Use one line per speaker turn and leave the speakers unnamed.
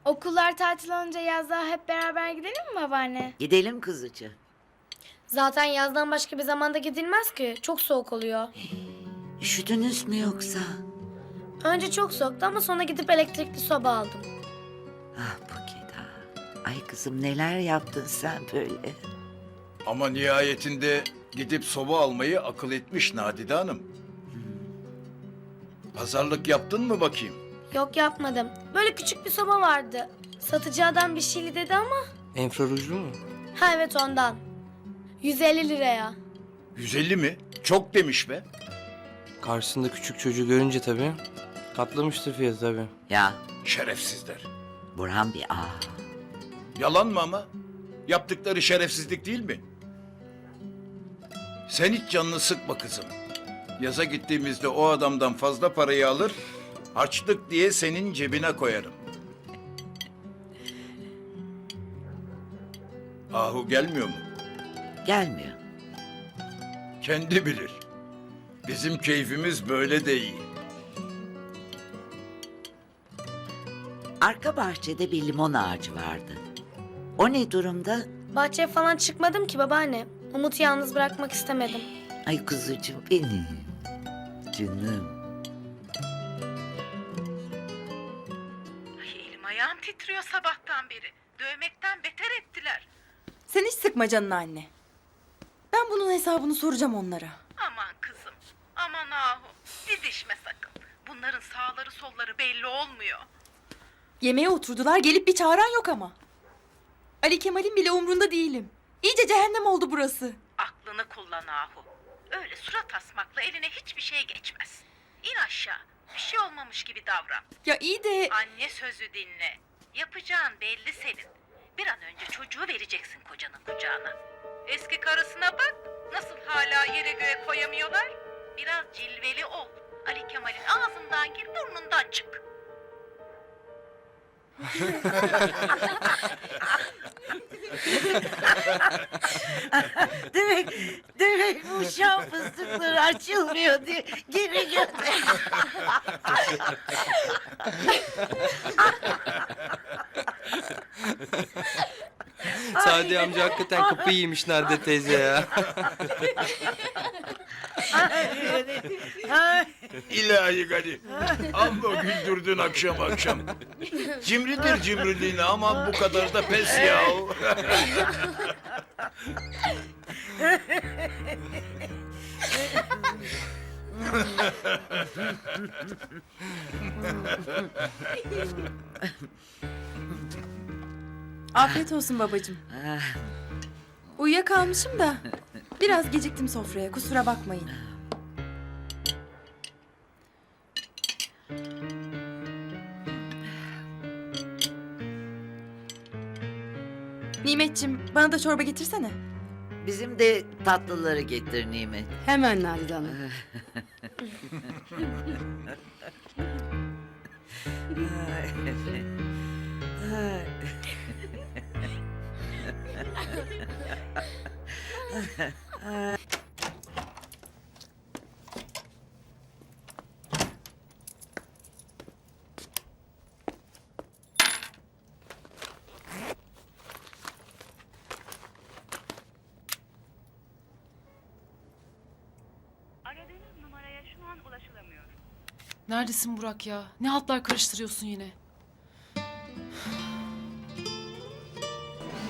Okullar tatil olunca yazlığa hep beraber gidelim mi babaanne?
Gidelim kızıcı.
Zaten yazdan başka bir zamanda gidilmez ki. Çok soğuk oluyor.
Üşüdünüz mü yoksa?
Önce çok soğuktu ama sonra gidip elektrikli soba aldım.
Ah Bukida. Ay kızım neler yaptın sen böyle?
Ama nihayetinde gidip soba almayı akıl etmiş Nadide Hanım. Pazarlık yaptın mı bakayım?
Yok yapmadım. Böyle küçük bir soba vardı. Satıcı adam bir şeyli dedi ama.
Enfrarujlu mu?
Ha evet ondan. 150 liraya.
150 mi? Çok demiş be.
Karşısında küçük çocuğu görünce tabii katlamıştır fiyatı tabii.
Ya
Şerefsizler.
Burhan bir
Yalan mı ama? Yaptıkları şerefsizlik değil mi? Sen hiç canını sıkma kızım. Yaza gittiğimizde o adamdan fazla parayı alır, harçlık diye senin cebine koyarım. Ahu gelmiyor mu?
gelmiyor.
Kendi bilir. Bizim keyfimiz böyle de iyi.
Arka bahçede bir limon ağacı vardı. O ne durumda?
Bahçeye falan çıkmadım ki babaanne. Umut'u yalnız bırakmak istemedim.
Ay kuzucuğum benim. Canım.
Ay elim ayağım titriyor sabahtan beri. Dövmekten beter ettiler.
Sen hiç sıkma canını anne. Ben bunun hesabını soracağım onlara.
Aman kızım, aman ahu. Didişme sakın. Bunların sağları solları belli olmuyor.
Yemeğe oturdular, gelip bir çağıran yok ama. Ali Kemal'in bile umrunda değilim. İyice cehennem oldu burası.
Aklını kullan ahu. Öyle surat asmakla eline hiçbir şey geçmez. İn aşağı. Bir şey olmamış gibi davran.
Ya iyi de...
Anne sözü dinle. Yapacağın belli senin. Bir an önce çocuğu vereceksin kocanın kucağına. Eski karısına bak. Nasıl hala yere göğe koyamıyorlar. Biraz cilveli ol. Ali Kemal'in ağzından gir, burnundan çık.
Demek bu şan fıstıkları açılmıyor diye geri gönder.
Sadi amca hakikaten kapıyı yemiş Nadide teyze ya.
İlahi Gani. Amma güldürdün akşam akşam. Cimridir cimriliğine ama bu kadar da pes ya.
Afiyet olsun babacığım. Uyuyakalmışım da biraz geciktim sofraya, kusura bakmayın. Nimetciğim, bana da çorba getirsene.
Bizim de tatlıları getir Nimet.
Hemen Nadide Hanım.
Neredesin Burak ya? Ne hatlar karıştırıyorsun yine?